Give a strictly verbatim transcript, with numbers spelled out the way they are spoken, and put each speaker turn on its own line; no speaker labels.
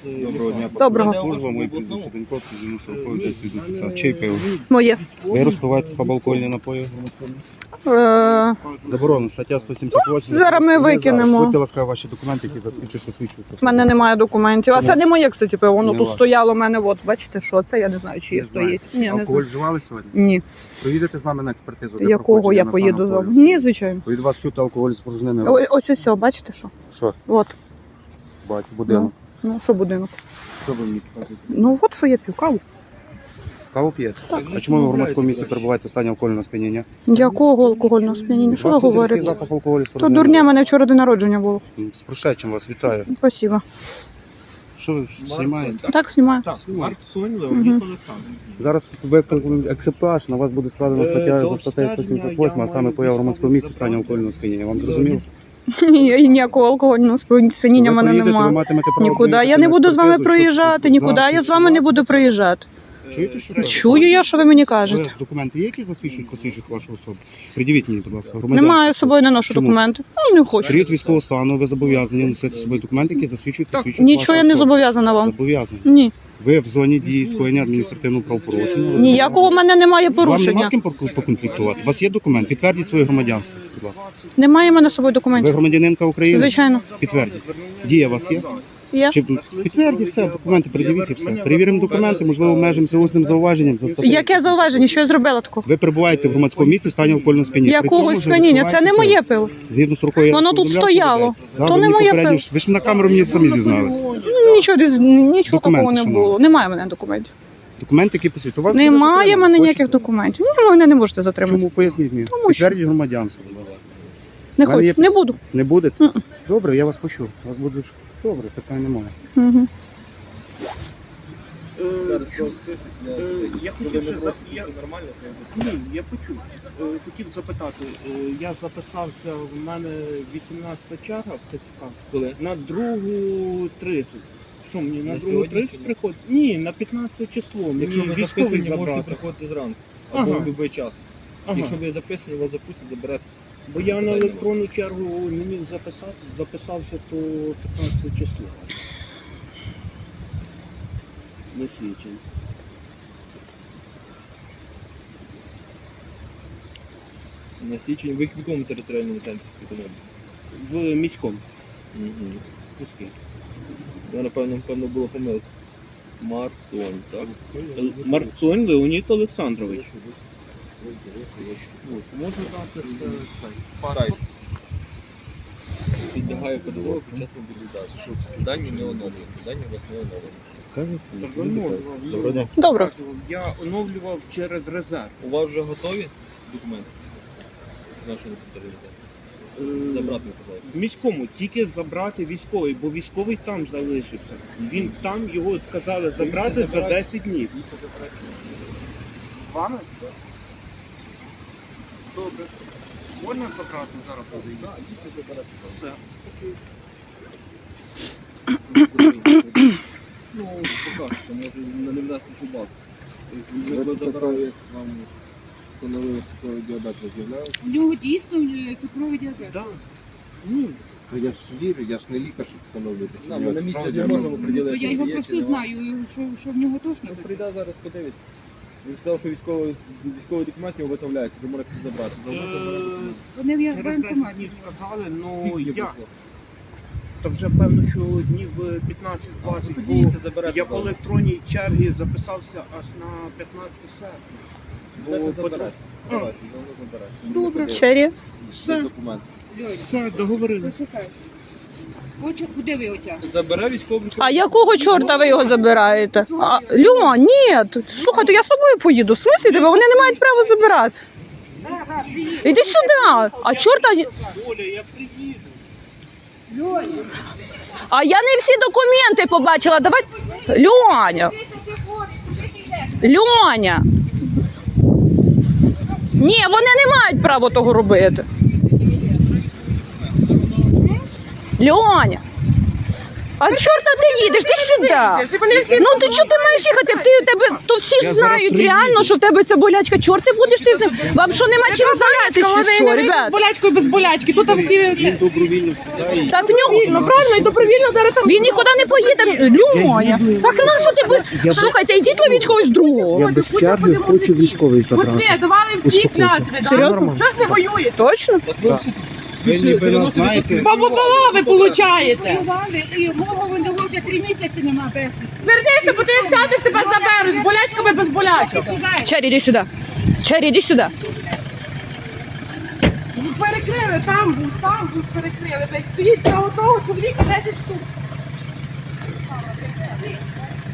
Доброго дня.
Доброго.
Служба, мої прізвище Деньковський, зіну сороковий, дев'ять п'ятдесят. Чий пиво?
Моє.
Ви розпиваєте слабоалкогольні напої?
Е,
Заборонено, стаття сто сімдесят вісім.
Зараз ми викинемо.
Будьте ласкаві, ваші документи, які засвідчують, засвідчуються.
в мене немає документів. А
Чому?
це не моє, кстати, пиво. Воно
Не
тут
ваше.
стояло в мене. От, бачите, що це? Я не знаю, чи є
Не знаю.
стоїть. Ні, не
Алкоголь
знаю.
вживали сьогодні?
Ні.
Поїдете з нами на експертизу? для
Якого
проходження
я
на
поїду
стан
з вами?
алкоголю?
Ні, звичайно.
Від вас чути алкоголь спорожнений.
О- Ось ось, ось, бачите що?
Що?
От.
Бачу, будинок.
Ну, що будинок?
Що ви мені кажете?
Ну, от що я п'ю, каву.
Каву п'єте? А чому ви в громадському місці перебуваєте в стані алкогольного сп'яніння?
Якого алкогольного сп'яніння? Що ви
Бачите, різкий
говорите?
запах алкоголю
То
спорожнений.
дурня, мене вчора день народження було.
З прошедшим вас вітаю.
Спасибо.
Що ви знімаєте?
Так, знімаю.
Знімаєте.
Мгм.
Зараз викликаємо екземпляж, на вас буде складена стаття за статтею сто сімдесят вісім, а саме поява в громадському місці в стані алкогольного сп'яніння. Вам зрозуміло?
Ні, ніякого алкогольного сп'яніння в
Ви
мене
поїдете, ви
немає.
матимете право
Нікуди.
доїхати
Я не
на
буду з вами
експертизу, щоб
проїжджати, нікуди. Я з вами не буду проїжджати.
Чуєте, що кажете?
Чую я, що ви мені кажете.
Ви документи є, які засвідчують, посвідчують вашу особу? Придивіть мені, будь ласка, громадян.
Немає з собою, не ношу
Чому?
документи. Ну, не хочу.
Період військового стану, ви зобов'язані носити з собою документи, які засвідчують, посвідчують
Нічого я
вашу
не
особу.
зобов'язана вам.
Зобов'язані.
Ні.
Ви в зоні дії скоєння адміністративного правопорушення. Ви
Ніякого в мене немає
Вам нема
порушення.
з ким пок- поконфліктувати? У вас є документ? Підтвердіть своє громадянство, будь ласка.
Немає в мене з собою
Ви
документів.
громадянинка України?
Звичайно.
Підтвердіть. Дія у вас є?
Є.
Чи підтвердіть все, документи передивіть і все. Перевіримо документи, можливо, обмежимося усним зауваженням за статтею.
Яке зауваження? Що я зробила такого?
Ви перебуваєте в громадському місці в стані алкогольного сп'яніння. При цьому
Якогось
ж
сп'яніння? Це не
розпиваєте
моє
пиво.
пиво.
Згідно з рукою.
Воно тут стояло. То не моє пиво.
Ви ж на камеру мені самі зізналися.
Ну, Нічого, десь- нічого
Документи,
такого не
шановні.
було. Немає в мене документів.
Документи, які посвідчують. У вас
Немає в мене
Хочете?
ніяких документів. Ні, ви мене не можете затримати.
Чому поясніть мені?
Тому що-
Підтвердіть громадянство, будь ласка.
Не
в мене є
хочу. Не
пос-
буду.
Не будете?
Мгм.
Добре, я вас почув. Вас буде добре, питань немає.
Угу.
Я хотів ще за- я- Ні, я почув. Е, Хотів запитати, е, я записався, в мене вісімнадцята черга в ТЦК.
Коли?
На другу тридцять. Що мені на
На
другу
сьогодні
тридцять
чи ні?
приходить? Ні, на п'ятнадцяте число.
Якщо
Мені
ви
військовий
записані, можете
забрати.
приходити зранку. Або
Ага.
в будь-який час.
Ага.
Якщо ви записані, вас запустять, заберете.
Бо я на
Питань
електронну чергу не міг записати, записався то п'ятнадцяте число. Не свідчень.
На січень ви в якому територіальному центрі співпадали?
В міському.
Угу.
Міський.
Ну, напевно, напевно, була помилка. Марцонь, так?
Л- Марцонь Леонід Олександрович. От, можна дати е, цей
Сайт. Підлягає ПДО під час мобілізації. Дані не оновлені. Дані у вас не оновлені.
Так, оновлював.
Доброго дня.
Добре.
Я оновлював через резерв.
У вас вже готові документи? З нашого територіалітету?
Е,
Забрати не казали.
В міському тільки забрати військовий, бо військовий там залишився. Він там його сказали забрати за десять днів. Вами? Добре. Можна забрати зараз подивитися? Так, дійсно забирати. Все.
Ну, покажете, може не внесли шубак. Ви забрали, як вам встановили цукровий діабет, ви з'являєте?
У нього дійсно е, цукровий діабет.
Так. Ні.
Я ж вірю, я ж не лікар, щоб встановити.
На, ми на місці не можемо
То
приділити.
я його
є чи
просто
нема.
знаю, що, що в нього точно
Ну,
таке.
прийде зараз, подивиться. Він сказав, що військовий, військовий документ його виготовляється, ви можете забрати. Завжди забирати
Е,
документ.
Вони в
Через десять
воєнкоматі.
днів сказали, ну
Скільки
я.
пройшло?
Та вже певно, що днів п'ятнадцять-двадцять, бо
Підійдете, заберете.
я по електронній черзі записався аж на п'ятнадцяте серпня. Бо
Бо
по-
заберете.
А.
Давайте, завжди заберете.
Добре.
Чері.
Все,
Документ.
все, договорили.
Почекай. Очі, куди ви отягнете?
Забере військовий.
А якого чорта ви його забираєте? А, Льо, ні. Слухайте, я з тобою поїду. В смислі тебе? Вони не мають права забирати. Іди сюди. А чорта...
Оля, я приїду.
А я не всі документи побачила. Давай... Льоня. Льоня. Ні, вони не мають права того робити. Льоня. А чорта ти їдеш, ти сюди. Ну ти чого ти маєш їхати? Ти у тебе то всі ж
Я зараз
знають
приїду.
реально, що в тебе ця болячка. Чорт ти будеш ти з ним. Вам що нема чим зайнятися, чи що, ребят?
болячкою без болячки. Тут всі
Він добровільно сідає.
Та в нього
ну, правильно і добровільно зараз там.
він нікуди не поїде. Люмоня. Так на що ти бу-
Я б-
Слухайте, йдіть ловіть когось другого.
Я без черги хочу військовий забрати.
давали всі клятви,
Серйозно?
Чого ж не воюєте?
Точно?
Ви ніби нас знаєте.
Баба ви получаєте.
Воювали, і мого винову вже три місяці нема безвісти.
Вернися, бо ти як сядеш, тебе заберуть. З болячками без болячок.
Чері, іди сюди. Чері, іди сюди.
Ну, перекрили, там був, там був перекрили. Блядь, стоїть для одного чоловіка десять штук.